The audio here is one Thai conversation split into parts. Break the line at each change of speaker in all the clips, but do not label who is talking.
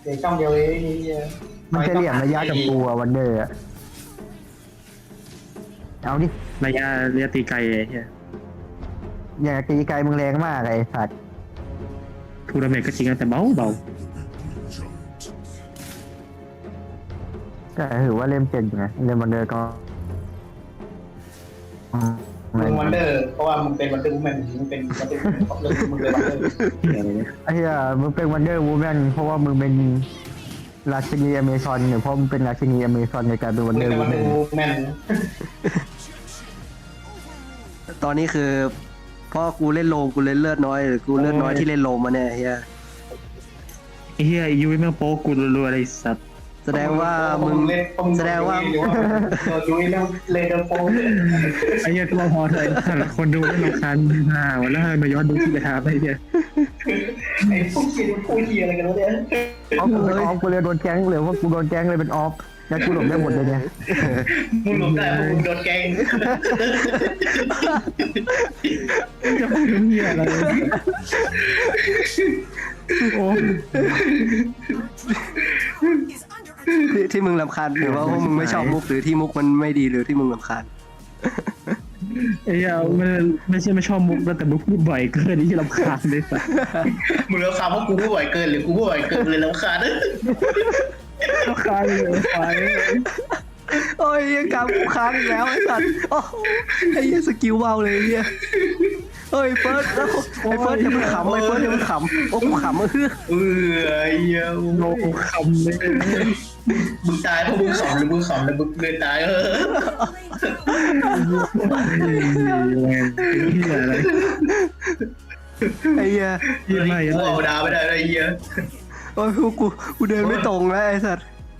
เดี๋ยวช่องเดียวเอง
มันจะเหลี่ยมระยะกับกูอะวันเดอร์อะเอาดิ
ระยะตีไกลไอ้เหี้ย
อย่าตีไกลมึงแรงมากไอ้สัตว์
ทูนาเมนต์ก็จริงนะแต่เบา
ก็ถือว่าเล่มเก่งอยู่นะเล่มวันเดอร์ก็
มึงวันเดอร์เพราะว่ามึงเป็นวันเดอร์วูแมนมึงเป็นวันเดอร์ของเรื่องมึงเลยวันเดอร์
เหี้ยอะไรเนี่ย
ไอ้เหี้ยมึงเป็นวันเดอร์วูแมนเพราะว่ามึงเป็นราชินีอเมซอนหรือเพราะมึงเป็นราชินีอเมซอนในการเป็นวัน
มึง
เดอร์
เป็น
วู
วัน
แม
เดอร์
น
วูแมน
ตอนนี้คือพ่อกูเล่นโลมกูเล่นเลือดน้อยหรือกูเลือดน้อยที่เล่นโลมมาเนี่ยเฮีย
ไอ้เหี้ยไอ้ยุ้ยแม่งโป๊กกูรัวๆอะไรสัตว์
แสดงว่ามึงแสดงว่า
ดูเรื่องเลเดอร์โฟน
ไอ้เหี้ยตัวพอเถอะถ้าคนดูไม่รำคาญวันแล้วมาย้อนดูที่ไปทำไอ้เหี้ย
ไอ้พวกเชียร์พูดเชียร์อะไรกันวะเนี่ย
ออฟกูเป็นออฟกูเลยโดนแก๊งหรือว่ากูโดนแก๊งเลยเป็นออฟแล้วกูหลบได้หมดเลยเนี่ย
มึงหลบได้มึงโดนแกง
จะพูดถึงเหี้ยอะไรโอ้
ที่มึงรำคาญหรือว่าพวกมึงไม่ชอบมุกหรือที่มุกมันไม่ดีหรือที่มึงรำคาญ
ไอ้เหี้ยมันไม่ใช่ไม่ชอบมุกนะแต่มุกพูดบ่อยเกินที่รำคาญเลยสัตว์
มึงแล้วคำว่ากูผู้บ่อยเกินหรือกูผู้บ่อยเกินเลยแล้วขาด
รำคาญเลยไป
โอ้ยยังกำกูค้างอีกแล้วไอ้สัตว์โอ้ไอ้เหี้ยสกิลเบาเลยไอ้เหี้ยเฮ้ยเฟิร์สไอ้เฟิร์สอย่าเพิ่งขำไอ้เฟิร์สอย่าเพิ่งขำโอ้กูขำเฮ้ย
ไอ้เหี้ย
โลคำเลย
มึงตายเพราะมึงขำหรือมึงขำแล้วมึงเลยตาย
เหี้ยอะไร
ไอ้เหี้ย
เหี้ยไม่
กูเอาดาวไม่ได้ไอ้เหี้ย
โอ้ยกูเดินไม่ตรงแล้วไอ้สัตว์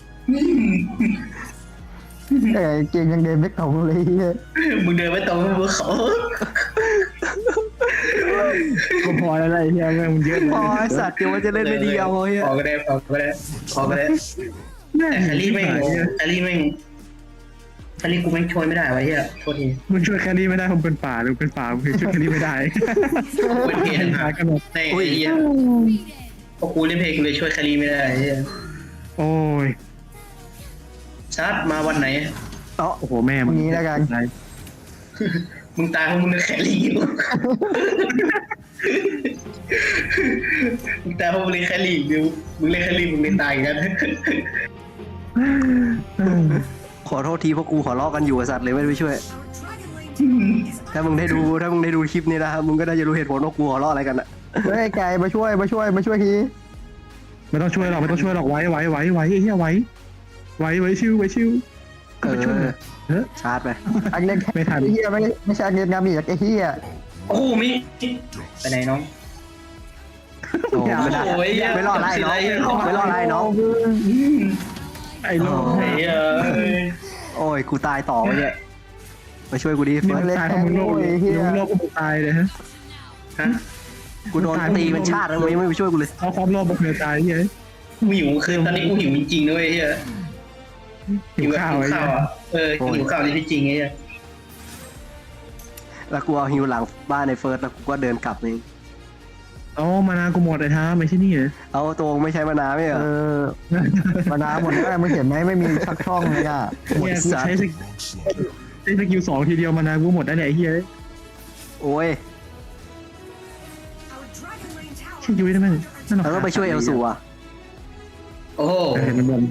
แต่เก่งยังเดินไม่ตรงเลยเหี้ย
มึงเดินไม่ตรงมึงข
ก็พอแล้วไอ้เหี้ยแม่งมันเยอะ
พอไอ้สัตว์เดี๋ยวมันจะเล่นไม่ดีเอาเฮ้ย
พอก็ได้แต่แฮร์รี่แม่งแฮร์รี่กูแม่งช่วยไม่ได้วะเหี้ยโทษที
มึงช่วยแครี่ไม่ได้ผมเป็นป่าหรือเป็นป่ามึงช่วยแครี่ไม่ได้
เป็นเพลง
หากันหมด
ในไอ้เหี้ยพอกูเล่นเพลงกูเลยช่วยแฮร์รี่ไม่ได้เหี้ย
โอ้ย
ซัดมาวันไหน
อ๋อ
โอ้โหแม่มึง
นี้แล้วกัน
มึงตายเพราะมึงเล่นแฮร์รี่มึงตายเพราะมึงเล่นแฮร์รี่มึงเล่นแฮร์รี่มึงเล่นตายกัน
ขอโทษทีพวกกูขอลอกกันอยู่ไอ้สัตว์เลยไม่ได้ไปช่วย ถ้ามึงได้ดูคลิปนี้นะครับมึงก็น่าจะรู้เหตุผลว่ากูขอลอกอะไรกันอะ
เฮ้ยไก่มาช่วยที
ไม่ต้องช่วยหรอกไว้ไอ้เหี้ยไว้ชิว
เอ
ก็ไปช่วย
อชาร์จไป
อันเล่น
ไม่ทัน
ไอ้เหี้ยไม่ใช่อันเล่นงามีไอ้เหี้ย
โอ้มิไปไหนน้อง
โอ้ไม่ได้ไม่รอดไรน้องไม่รอดไรน้อง
ไอ้โลก
ไอ้เหี้ย
โอ้ยกูตายต่อไปเนี่ยมาช่วยกูดิ
นี่
เฟิ
มั
ร์
น
ส
ตายเพราะมึงโลกกูตายเลยฮะ
ฮะ
กูโดนตีเป็นชาติแล้วมึงยังไม่ไปช่วยกูเลย
เอาความโลภมาเพื่อตายเฮ้ย
กูหิวคือตอนนี้กูหิวจริงๆด้วยเหี้ย
หิวข้าวไอ้
ข้าวอ่ะหิวข้าวนี่ที่จริงไอ้เหี้ย
แล้วกูเอาฮิวหลังบ้านในเฟิร์สแล้วกูก็เดินกลับเอง
เอามานากูหมดเลยท้าไม่ใช่นี่เหรอ
เอาตัวไม่ใช้มานาวไม่เหรอ
มานาหมดแล้วมึงเห็นไหมไม่มีชักช่องเลยอ่ะ
เนี่ยกูใช้สกิล2ทีเดียวมานากูหมดได้เนี่ยไอ้เหี้ย
โอ้ย
ชื่อยุ้ยได้ไหม
เราต้องไปช่วยเอลสูอ่ะ
โอ้โห
มันบน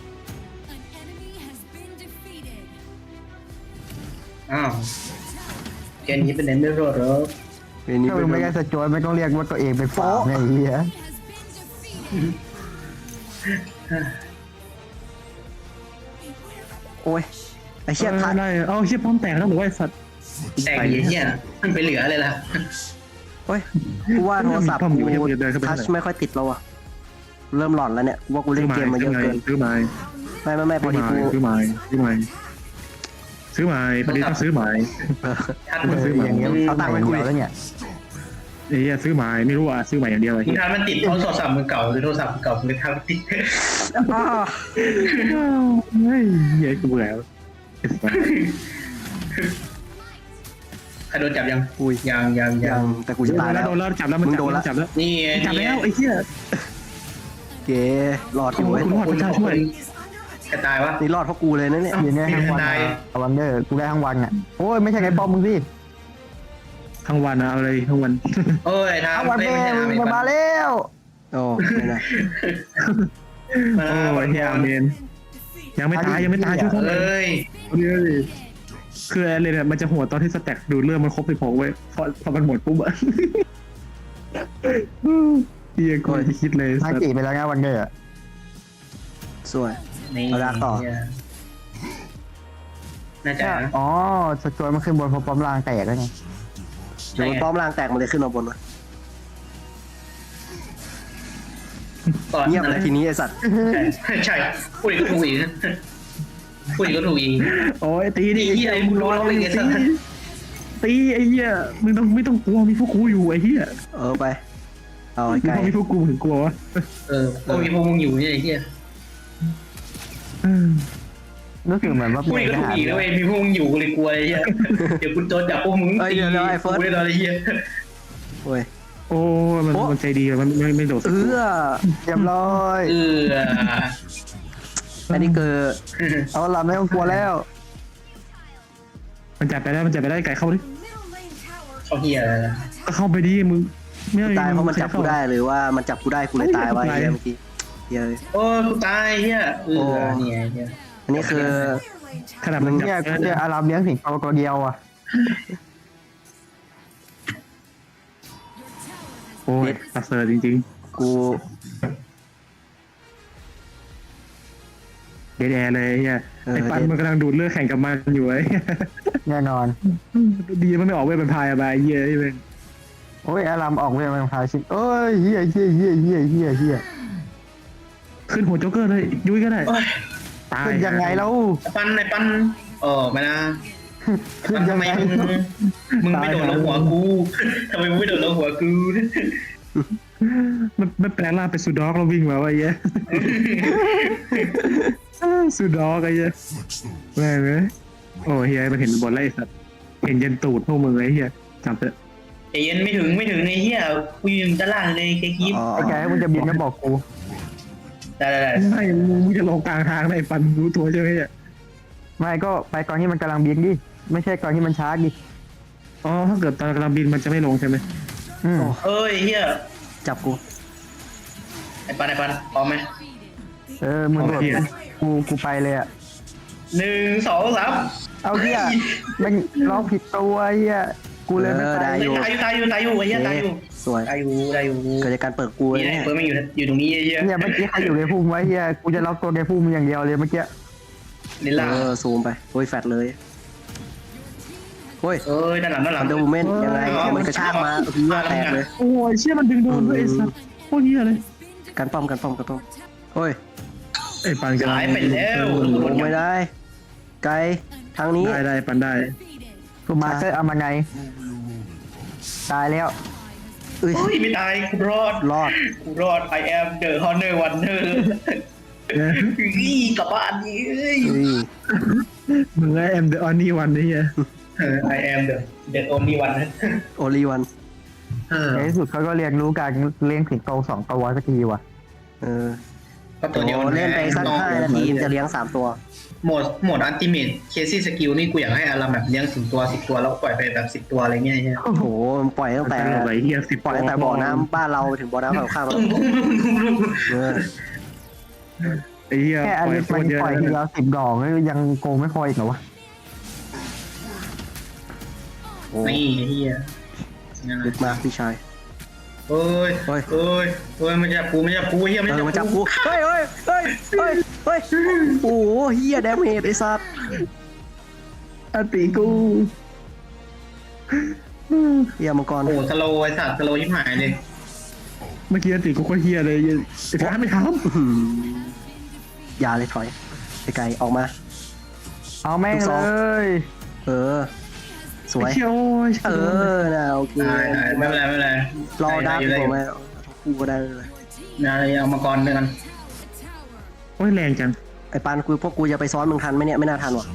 อ้าวแกนี้เป็นเนไม่รอดหรอ
เป็นนี้
ถ้า
เป็
มึ
น
งไม่ได้สจอยไม่ต้องเรียกว่าตัวเองเป็นฝาไงไอ้เหี้ย
โอ้ยไอ้เชี่ยทัน
ได้เอาเชี่ยป้อมแตกแล้วหรือว่าไอ้สัตว์
แต่ไอ้เหี้ยมันไปเหลืออะไรล่ะ
โอ้ยกูว่าโทรศัพท์กูทัชไม่ค่อยติดแล้วอ่ะเริ่มหลอนแล้วเนี่ยว่ากูเล่นเกมมาเยอะเกิน
ซื้อไม้
ไม่พอดีกู
ซื้อไม้พอดีต้องซื้อไม้
ทัด
มั
มัน น
ซื้อไม้
อย่างเงี้ยเอาตังค์ไปคุยแล้วเนี่ย
ไอ้เหี้ยซื้อไม้ไม่รู้อ่ะซื้อไม้อย่างเดียวไอ้
มึง
เหี้ย
ทัดมันติดเพราะโทรศัพท์มือเก่าหรือโทรศัพท์มือเก่ามึงเลยทัดมันติด
เฮ้ยเหี้ยกูแล้ว
ใครโดนจับยัง
อุ้ย
ยัง
ยังแต่กูจะตายแล้ว
โดนแล้วจับแล้วมันจับแล้ว
นี่
จับแล้วไอ้เหี้ย
เก๋รอดอยู่เว้ย
คุณรอดพระเจ้าช่วย
กระตายวะ
นี่รอดเพราะกูเลยนะเนี่ย
ยืนได้ทั้งวันอะวันเดอร์กูได้ทั้งวันอ่ะโอ้ยไม่ใช่ไงป้อมมึงสิ
ทั้งวันนะเอาเลยทั้งวัน
โอ้ยทาง
ทั้งวัน
ไม่
แม่
ใช่ทาง
มึ
ไม่
งมาแล้ว
โอ้ไม่นะ
โอ้ยเฮียเมนยังไม่ตายช่วยเขาหน่อย
เอ้ย
คืออะไรเนี่ยมันจะหัวตอนที่สแต็กดูดเลือดมันครบ16เว้ยพอมันหมดปุ๊บอะเฮียกูจะคิดเลย
ทางจีไปแล้วไงวันเดอร์อะ
สวย
นี่
เอาลากต่อ
น่าจะ
อ๋อสจอยมันขึ้นบนพอป้อมล่างแตกแล้วไง
เดี๋ยวมันป้อมล่างแตกมันเลยขึ้นมาบนวะ
ก่อน
เงียบเลยทีนี้ไอสัตว์
ใช่พูดอีกก็ถูกอีกพูดอีกก็ถูกอีก
โอ้ยตีดิ
ไอ้เหี้ยมึงร้องเลยไอ้สัส
ตีไอ้เหี้ยมึงต้องไม่ต้องกลัวมีพวกกูอยู่ไอ้เหี้ย
ไปเอาไอ้
มึง
ไก่
ต้องมีพวกกูถึงกลัววะ
ก็มีพวกมึงอยู่เนี่ยไอ้เหี้ย
รู้สึกเหมือนว่า
พูด
เป็
อีก
น
ก็
ท
ถูก
หาร
อีกแล้วเว้ยมีพวกมึงอยู่ก็เลยกลัวไอ้เหี้ยเดี๋ยวคุณโดนจับพวกมึงตีกูเลยตอนไอ้เหี้ย
โอ้ย
โอ้มันใจดีมันไม่โดด
เอื้อ
เรียบร้อย
อันนี้คือ
เอาละไม่ต้องกลัวแล้ว
มันจับไปได้ไก่เข้าดิ
เขาเหี้ยอะไรนะ
ก็เข้าไปดิมึงไม่
ตายเพราะมันจับกูได้หรือว่ามันจับกูได้กูเลยตายวะไอ้เหี้ยเมื่อกี้เหี้ย
โอ้กูตายเหี้ยนี่ไงเหี้ย
อันนี้คือ
ขนาดมันจั
เนี่ยกูเจออารามเลี้ยงสิงโตตัวเดียวอ่ะ
โอ้ยตัดเซอร์จริง
กู
ๆเดดแอร์เลยเฮียไอ้ปันมันกำลังดูดเลือดแข่งกับมันอยู่ไอ้
แน่นอน
ดีมันไม่ออกเวทเป็นพายอะไรเฮียที่เป็น
โอ้ยอารามออกเวรมันพาชิโอ้ยเฮียเฮีย
ขึ้นหัวโจ๊กเกอร์เลยยุ้ยก็ได้ตาย
ขึ้นยังไงแล้ว
ไอ้ปันไม่นะ
ขึ้น
ทำ
ยัง
ไม
ไง
มึงไม่โดนลงหัวกูทำไมมึงไม่โดนลงหัวกู
มันแปลงร่างเป็นซูด็อกแล้ววิ่งมาว่าเฮียซูด็อกไอ้เฮียแม่งเลยโอ้เฮียมันเห็นบนไล่สัตว์เห็นยันตูดพวกมึงไอ้เฮียจับเถอะ
ไอ้เย็นไม่ถึงไอ้เหี้ยกูยืนด้านล่างเลยแค่คิด
อ๋อ
ไอ้แกมึงจะบินก็บอกกู
ได้
ไม่มึงจะลงกลางทางไอ้ปันรู้ตัวใช่ไหมเนี่ย
ไม่ก็ไปก่อนที่มันกำลังบินดิไม่ใช่ก่อนที่มันช้าดิ
อ๋อถ้าเกิดตอนกำลังบินมันจะไม่ลงใช่ไหม
เอ้ยเหี้ย
จับกู
ไอ้ปันพร้อมไหม
มึงโดดกูไปเลยอ่ะ
1 2 3
เอาเฮียมันร้องผิดตัวเฮียกูเลยไม่ไป
ตายอยู่ไอ้เหี้ยตายอยู่
สวย
ได้อยู่
เกิดจากการเปิดกู
นี่แหละ
เนี่ย
เฟิร์มอยู่ตรงนี้เหี้ย
เนี่ยเมื่อกี้ใครอยู่ในพุ่มไว้เฮียกูจะล็อกตัวในพุ่มอย่างเดียวเลยเมื่อกี้
ลิล่า
ซูมไปโอ้ยแฟดเลยโอ้ย
เอ้ยด้านหลัง
อันเดอร์วูแมนยังไงมันกระชากมาเพื่อแตกเลย
โอ้ยเชี่ยมันดึงโดนด้วยไอ้สัสโคตรเหี้ยเลย
กันป้อมโอ้ย
ไอ้ปันกัน
หายไปแล้ว
ลงไม่ได้ ไกลทางนี้
ได้ปันได้
กูมาเตอร์เอามาไงตายแล้ว
เอ้ย
เฮ้ยไม่ตายกูรอด กูรอด I am the honor winner กลับบ้านนี่เอ้ย
มึงไอ้แอมเดอะออนนี่วันนี่เฮีย
I am the only one
โอลีวัน
ในที่สุดเขาก็เรียนรู้การเลี้ยงสิงโต2 ตัวสักทีว่ะ
ก็ตัวเดียว
เล่นไปสัก5 นาทีจะเลี้ยง3 ตัว
โหมดอัลติเมทเคซี่สกิลนี่กูอยากให้อารามแบบเลี้ยง10 ตัว10 ตัวแล้วปล่อยไปแบบ10 ตัวอะไรเงี้ย
โอ้โหมันปล่อยตั้งแต่
ไอ้เฮีย10
ปล่อยตั้งแต่บ่อน้ำบ้านเราถึงบ่อน้ำฝั่งข้าม
ไอ้เฮีย
แค่อัน
ปล่อย
นี้
โค
มัน
ตรเยอะ
ปล่อยทีละ10 ดอกยังโกงไม่พออีกเหรอวะ
นี่เฮีย
ลึกมากพี่ชาย
เฮ้ยมันจะปูเฮีย
มันจับกูเฮ้ยโอ้โหเฮียแดมเฮดไอ้สัตว์
อติกู
เฮียมังกร
โอ้สโลไอ้สัตว์สโลยิ่งหายเลย
เมื่อกี้อติกูโคตรเฮียเลยไอ้ฟ้าไม่ท
อย่าเลยถอยไกลออกมา
เอาแม่งเลย
ส
ำ
วย
เชี่ยว
นะโอเค
ไม่เป็นไร
รอดับผมไหมกูก็ได้เลย
นะเอามาก่อนด้วยกัน
โอ้ยแรงจัง
ไอ้ปานพวกกูจะไปซ้อนมึงทันไหมเนี่ยไม่น่าทันว่ะ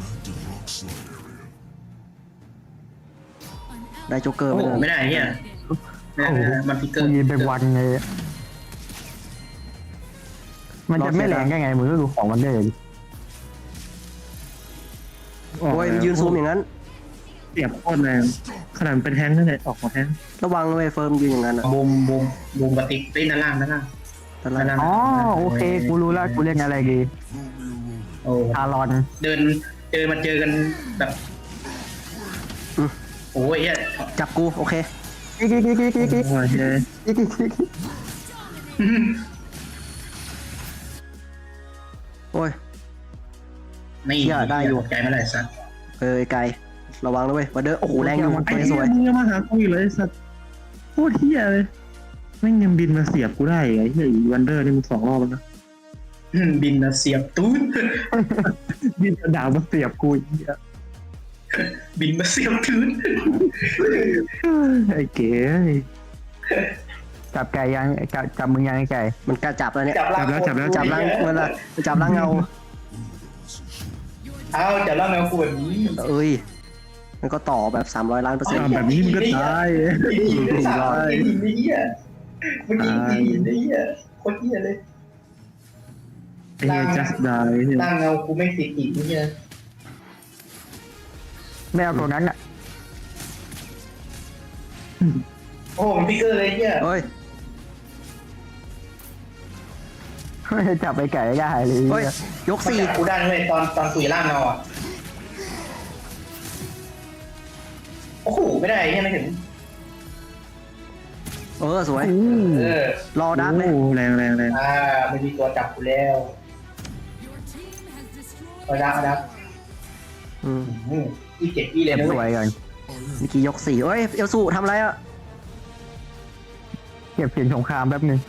ได้โจ๊กเกอร์
โอ้
ไปเลย
ไม่ได้เฮีย มันพิกเกอ
กู
ร์
ยืนเป็นวันเลยมันจะไม่แรงได้ไงมึงก็ดูของมันได้เลย
ออก
โอ้ย
แล้ว
ยืนซูมอย่างนั้น
เสียบโคตรแรงขนาดเป็นแท้งนั่นแหละออกมาแท้ง
ระวังเลยเฟิร์มยืนอย่างนั้นอ่ะ
บูมกระติกเล่นด้านล่างด้านล่าง
ตอนนั้น
อ๋อโอเคกูรู้ละกูเล่นอะไรดี
โอ้
ทารอน
เดินมาเจอกันแบบโอ้ยเฮีย
จับกูโอเค
กิ๊กกิ๊กกิ๊กกิ๊กกิ๊ก
โอ้ยเฮ้ย
กิ๊กกิ๊กกิ๊ก
โอ้ย
นี่
เหี้ยได้อยู่
ใจไม่ได้สัตว์
ไกลระวังด้วยวันเดอร์โอ้โหแรงอยู่
ไอ้
ตัวนี้
เหี้
ส
ย
วย
มึงจะมาหากูอีกเลยไอ้สัตว์โคตรเหี้ยเลยแม่งยังบินมาเสียบกูได้ไอ้เหี้ยอีวันเดอร์นี่มึง2 รอบแล้วนะ
บินมาเสียบตูน
บินกระดาษมาเสียบกูไอ้เหี้ย
บินมาเสียบตูน
ไอ้เก๋
จับไก่ยังจับมึงยังไอ้ไก่
มันกล้าจับแล้วเนี่ย
จับล่าง
จับล่างเวลาจับล่างเงา
เอาจับล่างแมวกูแบบนี้
เอ้ยมันก็ต่อแบบ300 ล้านเปอร์เซ็นต์
ทำแบบนี้มึงก็ตาย
ยิงได้สามยิงได้เหี้ยมันยิงได้เหี้ยโคตรเหี้ยเลย
ไอ้เหี้ย just die เนี่ย
ล่างเงากูไม่ติดอีกเหี้ย
ไม่เอาตัวนั้นอ่ะ
โอ้มันพิกเกอร์เลยเหี้ย
เฮ้ย
จับไอ้ไก่ได้เลย
เฮ้ยยก
มัน
4
จับกูได้เลยตอนคุยล่างเงาอ่ะโอ้โหไม่ได้เหี้ยไม่ถึง
สวย รอดักเลย
โอ้แรงแรงแรง
ไม่มีตัวจับกูแล้วเอาดัก
อืม
อีเจ็ดอีเลย
เก็บ
นะ
สวย
เว้ย
ก่อน
เมื่อกี้ยก4เอ้ยเอลสูทำอะไรอ่ะ
เก็บเสียงสงครามแป๊บนึง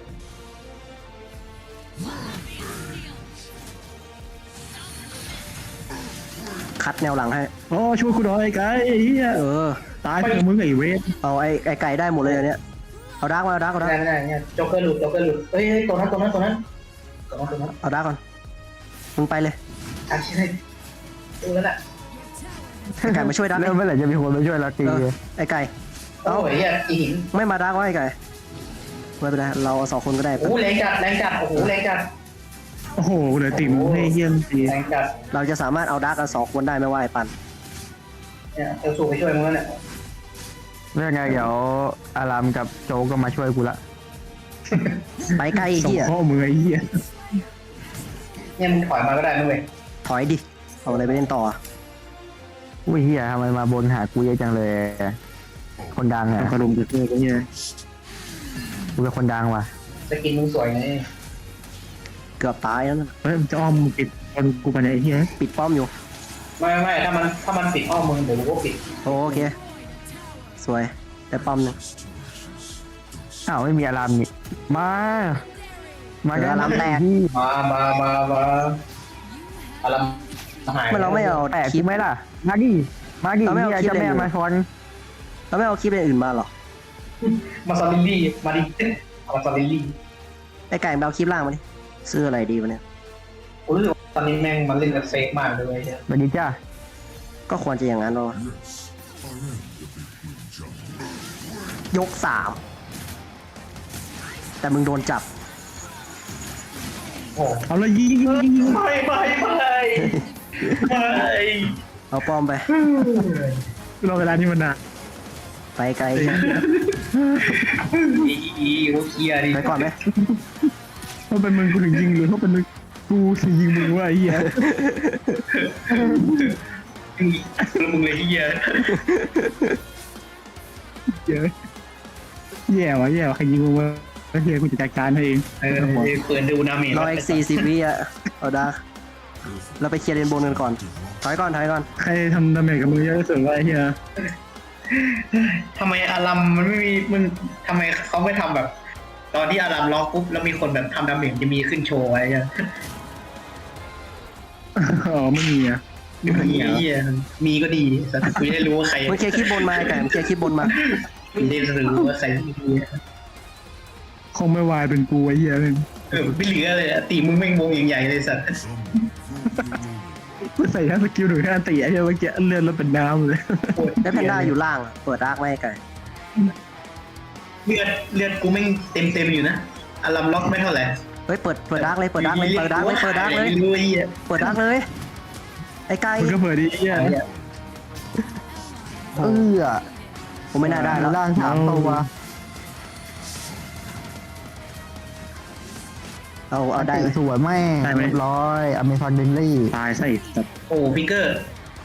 คัดแนวหลังให้
อ๋อช่วยกูหน่อยไอ้ไก่ไอ้เหี้ยตายเพื่อมึงไอ้เวท
เอาไอ้ไก่ได้หมดเลยอันเนี้ยเอาดักมาเอาดัก
ไม่ได้เนี่ยโจ๊กเกอร์หลุดเฮ้ยตัวนั้น
เอาดักก่อนมึงไปเลย
ใช่ตัวนั้นแหละ
ไอ้ไก่มาช่วยดัก
แล้วเมื่อไหร่จะมีคนมาช่วยเราตี
ไอ้ไก่
โอ้ยอีหิน
ไม่มาดักวะไอ้ไก่ไม่เป็นไรเรา2 คนก็ได้
โอ้แรงจัดโอ้โหแรงจัด
โอ้โหเหลือติ่มให้เฮี้ยมตี
แรงจัด
เราจะสามารถเอาดักกัน2 คนได้ไม่ว่าไอ้ปัน
เนี่ยเอลสูไปช่วยมึงแล้วเนี่ย
เรื่องไงเดี๋ยวอารามกับโจก็มาช่วยกูละ
ไปไกลไอ้
ส่ง
เหี้ย
ข้อมือไอ้เหี้ย
เนี่ยมึงถอยมาก็ได้นะเว้ย
ถอยดิเอาอะไรไปเล่นต่อ
อุ้ยเฮียทำไมมาบนหากูเยอะจังเลย คนดังอ่ะ
กระดุมกระเทือกไอ้เหี้ย
กูเป็นคนดังว่ะ
สกินมึงสวยไง
เกือบตายแล้วนะ
เฮ้ยมันจะอ้อมปิดคนกูไปไหนไอ้เหี้ย
ปิดป้อมอยู่
ไม่ถ้ามันปิดอ้อมมึงเดี๋ยวกูก็ปิด
โอเคสวยแต่ป้อมหนึง
อ้าวไม่มีอารามนี่มาได้
อารามแตก
ที่
มาอะไรหาย
มันเราไม่เอา
แตก
คลิป
ไหมล่ะมาดิเฮียจะแม่มาชน
เราไม่เอาคลิปอื่นมาหรอ
มาซาลิลลี่มาดิมาซาลิลลี่
ไอ้ไก่ไปเอาคลิปล่างมาดิซื้ออะไรดีวะเนี่ย
กูรู้สึกตอนนี้แม่งมันเล่นกับเซฟมากเลยเนี่ย
สวัสดีจ้า
ก็ควรจะอย่างนั้นหรอยก3แต่มึงโดนจับ
โอ้
เอาเลยยิง
ไม่
เอาป้อมไป
รอเวลานี้มันนาน
ไปไกล
อีโอเคลียร์ดิ
ไปก่อนไหม
เพราะเป็นมึงกูถึงยิงหรือเพราะเป็นมึงกูถึงยิงมึงว่าไอ้เหี้ย
มึงเลยที่เหี้ย
เยอะแย่ว่ะใครยิงมึงวะไอ้เหี้ยกูจะจัดการให้เอง
เปิดดูนาเมจ
รออีก40 วิอ่ะเอาดาเราไปเคลียร์เลนโบนกันก่อนถอยก่อน
ใครทำดาเมจกับมึงเยอะที่สุดวะไอ้เหี้ย
ทำไมอารัมมันไม่มีมึงทำไมเขาไม่ทำแบบ ตอนที่อารัมล็อกปุ๊บแล้วมีคนแบบทำดาเมจจะมีขึ้นโชว์อะไรเงี้ย
อ๋อไม่มีอ่ะ
มีก็ดีแต่กูจะได้รู้ว่าใคร
มึงเคลียร์คลิปบนมาไอ้ไก่มึงเคลียร์คลิปบนมา
กูได้รู้ว่าใครดี
คงไม่วายเป็นกูไอ้เหี้ยมึง
ไม่เหลือเลยตีมึงแม่งวงใหญ่ๆเลยสัตว์
กูใส่แค่สกิลหนึ่งแค่อันตีไอ้เหี้ยเมื่อกี้เลื่อนแล้วเป็นน้ำเลย
แล้วแพนด้าอยู่ล่างอะเปิดดาร์กไว้ไอ้ไก่
เลือดกูแม่งเต็มอยู่นะอารัมล็อกไม่เท่าไหร่
เฮ้ยเปิดดักเลยเปิดดักเลยเปิดดักเลยเปิดดักเลย
รู้ไอ้เหี้ย
เปิดดักเลยไอ้ไก่
มึงก็เปิดดิเหี้ย
ผมไม่น่าได้แล้ว
ล่าง3ตัว
เอาได้เลย
สวยแม่เรียบร้อยอเมซอนเดนลี่
ตายซะอีกสัตว์
โอ้ฟิกเกอร์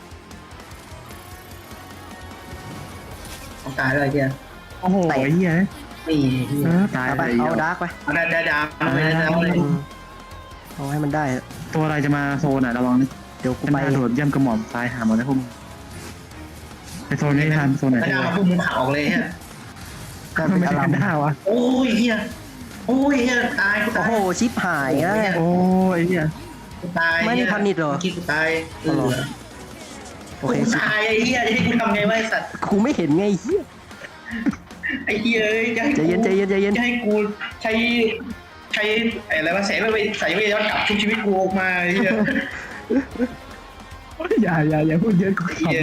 ต้องตายเลยเหี้ย
โอ้โหไอ้เหี้ย
นี่เหี้ย
ตาย
เอา
ไป
ไปเอาดักไป
เอาได้ไม่ได้แล้วเลย
เอาให้มันได้
ตัวอะไรจะมาโซนอ่ะระวังนี่
เดี๋ยวกู
มัน
ไป
กระโดดย่ำกระหม่อมตายหาหมดแล้วพวกมึงไปโซนนี้ทันโซนไหน
ไม่ได้มาพุ่งมึงขาออกเลยฮะ
ไม่ใช่กันด้าวะ
โอ้ยเฮียโอ้ยเฮียตายกู
โอ้
ตาย
โหชิปหายแล้ว
โอ้ยเหี้ย
กูตาย
ไม่มีพันนิดเหรอ
คิดกูตาย
โอเค
กูตายไอ้เฮียจะให้กูทำไงวะไอ้สัตว์
กูไม่เห็นไงเฮีย
ไอ้เฮียจะให้
ใจเย็นใจเย็นใจเย็น
จะให้กูใช้อะไรวะแสงไปใส่ไปย้อนกลับชุบชีวิตกูออกมาไอ้เฮีย
อย่าพูดเยอะกู
เฮีย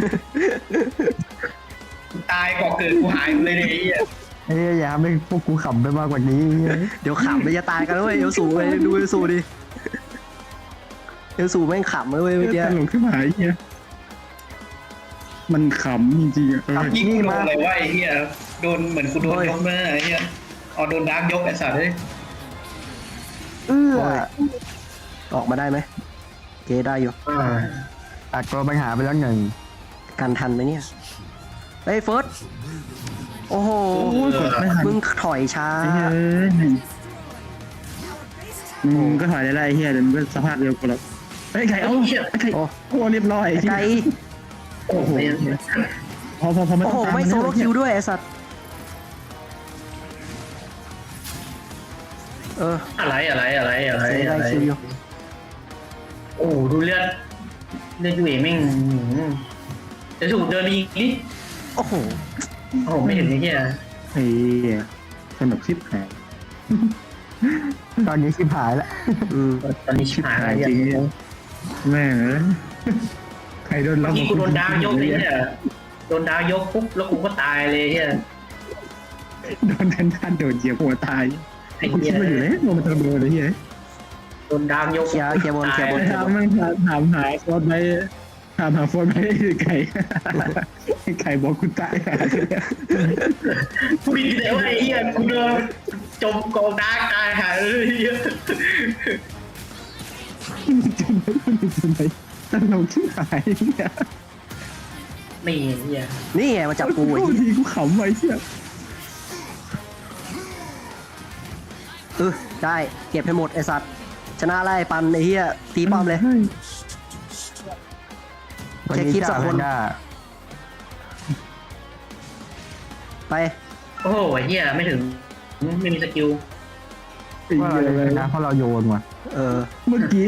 ตายก่อเกิดกูหายเลยเนี่ยไอ้เฮีย
อย่าทำให้พวกกูขำไปมากกว่านี้
เดี๋ยวขำเลยจะตายกันเลยเอลสูเลยดูเอลสูดิเอลสูแม่งขำเลยเมื่อกี้
ตลกขึ้นมาไอ้เหี้ยมันขำจริงๆอ่ะ
ยิ่งกูโดนอะไรวะไอ้เฮียโดนเหมือนกูโดนยกมาไอ้เฮียเอาโดนดาร์กยกไอ้สัตว์เลย
ออกมาได้ไหมเกได้อยู่
ตัดตัวปัญหาไปแล้วหนึ่ง
กันทันไหมเนี่ยเฮ้ยเฟิร์สโอ้โห
กดไม่ทัน
มึงถอยช้า
ไอ้เหี้ยมึงก็ถอยได้ไอ้เหี้ยเดี๋ยวมึงก็สภาพเดียวกูแล้วไอ้ไก่เอาไอ้ไก่
โอ้
โอ้เรียบร้อย
ไกล
โอ้โหพอไม่
โอ้
ต้
โห
องตาม
ไม่โซโลคิวด้วยไอ้สัตว์
อะไร
เซได้คิวอยู่
โอ้ดูเลือดอยู่เองแม่งจะถูกเดินอีกนิด
โอ้โห
โอ้โหไม่เห็นไอ้เหี้ย
เฮ้ยสนุกชิบหาย
ตอนนี้ชิบหายแล้ว
ตอนนี้ชิบหาย
จริงแม่ใครโดน
เมื่
ล็
อ
อก
กี้กูโดนดาวยกเลยเนี่ยโดนดาวยกปุ๊บแล้วกูก็ตายเลยเหี้ย
โดนท่านโดนเหยียบหัวตาย
ไอ้
กู
เหี้
คิ
ย
ดมาอยู่แล้วมันจะโดนอะไรเงี้ย
โดนดาวยก
เคลียร์บนเคลียร์บน
ถามมันถามหาฟอร์ดไปถามหาฟอร์ดไปไก่ไก่บอกกูตาย
กูดีแต่ว่าไอ้เหี้ยกูโดนจมกองดาร์กตายหายเลยเหี้ย
จนไปตลกชิบหายเนี่ย
นี่เหี้ย
นี่ไงมาจับกูไอ้
โคตร
เหี้ย
ดีกูขำไว้เชี่ย
ได้เก็บให้หมดไอ้สัตว์ชนะไล่ปันไอ้เหี้ยตีป้อมเลย แค่คลิปสักคน ไป
โอ้โหไอ้เหี้ยไม่ถึงไม่มีสกิล
ว่าเราจะชนะเพราะเราโยนว่ะ
เมื่อกี้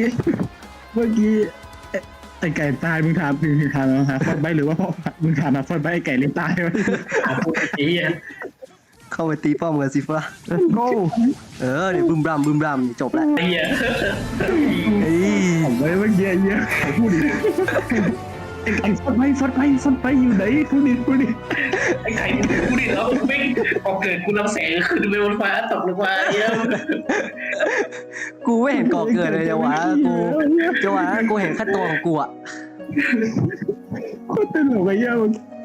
ไอ้ไก่ตายมึงถามหาฟอร์ดไปหรือว่าพ่อมึงถามหาฟอร์ดไปไอ้ไก่เล่นตายไว้
เอาพูดไอ้เหี้ย
เข้าไปตีป้อมกันสิฟ้า
Let's go
เดี๋ยวบึมบรัมจบแล้ว
ไอ้เหี้ย
เฮ้ย
ผมไว้เมื่อกี้เยอะพูดดิไอ้ไก่ฟอร์ดไปอยู่ไหนพูดดิ
ไอ้ไข่กูดิแล้วไม่พอเกิดกูลำแสงขึ้นไปบนฟ้าตกลงมาเหี้ย
กูไม่เห็นก่อเกิดเลยจังหวะกูเห็นแค่ตัวของกูอะ
โคตรตลกไอ้เหี้ย